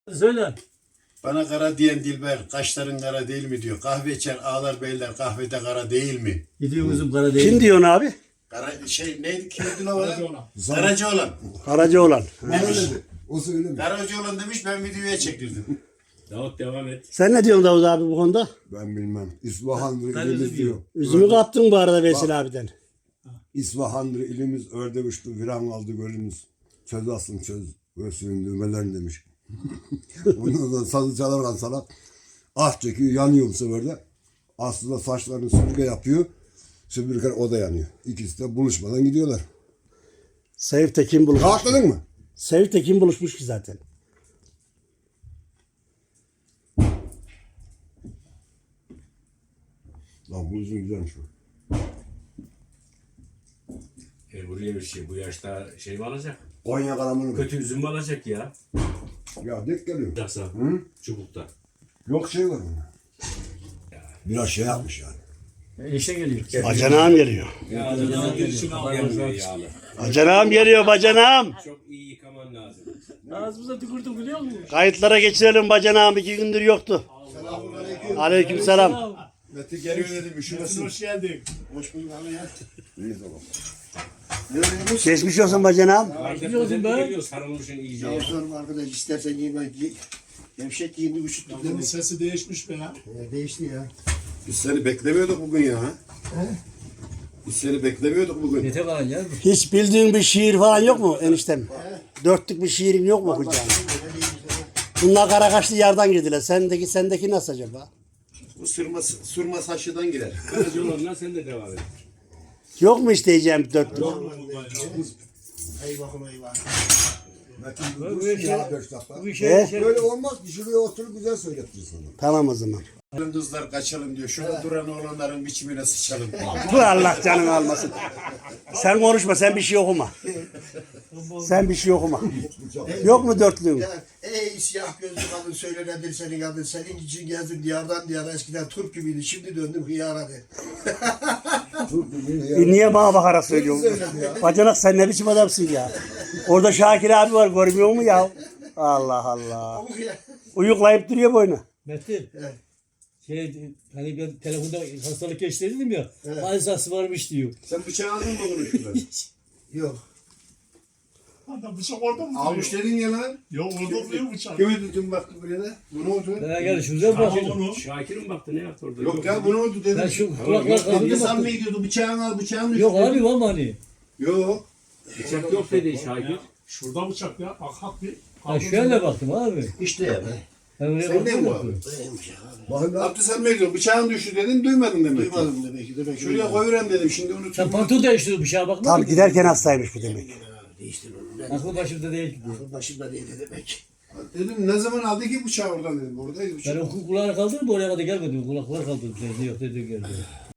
Söyle. Bana kara diyen Dilber, kaşların kara değil mi diyor. Kahve içer ağlar beyler, kahvede kara değil mi? Gidiyor kızım kara değil. Kim diyorsun abi? Kara neydi kimdi lan o? Karacaoğlan. Karacaoğlan. Demiş. O söylemiyor. Karacaoğlan demiş, ben videoya çektirdim. Davut devam et. Sen ne diyorsun Davut abi bu konuda? Ben bilmem. İsfahandır Ben ilimiz üzüm diyor. Üzümü kaptın bu arada Vesil abiden. İsfahandır ilimiz ördek uçtu viran aldı gölümüz. Çöz asın çöz göğsünün düğmelerini demiş. Ondan sonra sazı çalarken salak ah çekiyor yanıyor bu sefer de. Aslında saçlarını süpürge yapıyor. Süpürge o da yanıyor. İkisi de buluşmadan gidiyorlar. Sevip Tekin buluşmuş. Rahatladın mı? Sevip Tekin buluşmuş ki zaten. Lan bu üzüm güzelmiş bu. Buraya bir şey bu yaşta şey mi alacak? Konya kalamını mı? Kötü üzüm mü alacak ya? Ya dek geliyor. Yoksa Hı? çubukta. Yok şey var mı? Biraz şey yapmış yani. İşe geliyor. Bacanağım geliyor. Ya adamın girişini almıyor yağlı. Bacanağım geliyor bacanağım. Çok iyi yıkaman lazım. Ağzımıza tükürdük biliyor musun? Kayıtlara geçirelim bacanağım 2 gündür yoktu. Aleykümselam. Mete geliyor dedim, üşümesin. Hoş geldin. Hoş bulduk abi ya. İyi tamam. Geçmiş olsun bacanağım. Biliyorsun be. Geliyor sarılmışın iyice. Ya sorma arkadaş istersen giyme. Gevşek giyindi üşüttük. Adamın sesi değişmiş be ya. Değişti ya. Biz seni beklemiyorduk bugün ya. Biz seni beklemiyorduk bugün. Yeter falan ya. Hiç bildiğin bir şiir falan yok mu eniştem? Dörtlük bir şiirin yok mu okuyacağın? Bunlar Karakaşlı yardan girdiler. Sendeki nasıl acaba? Bu sırma saçıdan girer. Karacaoğlan'dan sen de devam et. Yok mu isteyeceğim dörtlük? Eyvahım eyvah. Metin dursun ya 5 dakika. Böyle olmaz ki şuraya oturup güzel söyletir sana. Tamam o zaman. Kızlar kaçalım diyor. Şurada duran oğlanların biçimine sıçalım. Dur Allah canını almasın. Sen konuşma, sen bir şey okuma. Sen bir şey okuma. Yok mu dörtlüğün? Ya, ey siyah gözlü kadın söyle nedir senin adın? Senin için gezdim diyardan diyara eskiden Türk gibiydi. Şimdi döndüm hıyara de. Niye bana bakarak söylüyorsun? Bacanak sen ne biçim adamsın ya? Orada Şakir abi var görmüyor mu ya? Allah Allah. Uyuklayıp duruyor boynu. Metin. Hani ben telefonda hastalık geçti dedim ya. Alzası varmış diyor. Sen bıçağı aldın mı bunu şuradan? Yok. Adam bıçak orada mı? Almış dedin ya lan. Yok orada duruyor bıçak. Kimi tutun baktı buraya da? Bu ne oldu? Ben gel şurada bak. Onu. Şakir mi baktı ne yaptı orada? Yok ya bu ne oldu dedim. Ben şu kulaklar Ne kaldı san mı bak. gidiyordu? Bıçağını al bıçağını Yok abi var mı hani? Yok. Bıçak yok dedi Şakir. Şurada bıçak ya. Bak hak bir. Ha şöyle baktım abi. İşte ya be. Ben oraya Sen ne baktım. bu abi? Abdü sen mi gidiyorsun? Bıçağın düştü dedin duymadın demek ki. Duymadım demek ki. Demek ki Şuraya koyuren dedim şimdi Sen unutuyorum. pantol değiştirdin bıçağa bakma. Tam giderken hastaymış bu demek. değiştir onu. Aklı başımda değil ki diyor. Akıl başımda değil demek. Dedim ne zaman aldı ki bıçağı oradan dedim. Oradaydı Ben bıçak. o kulağını kaldırıp oraya kadar gelmedim. Kulaklar kaldırdım. Sen yok dedi geldi.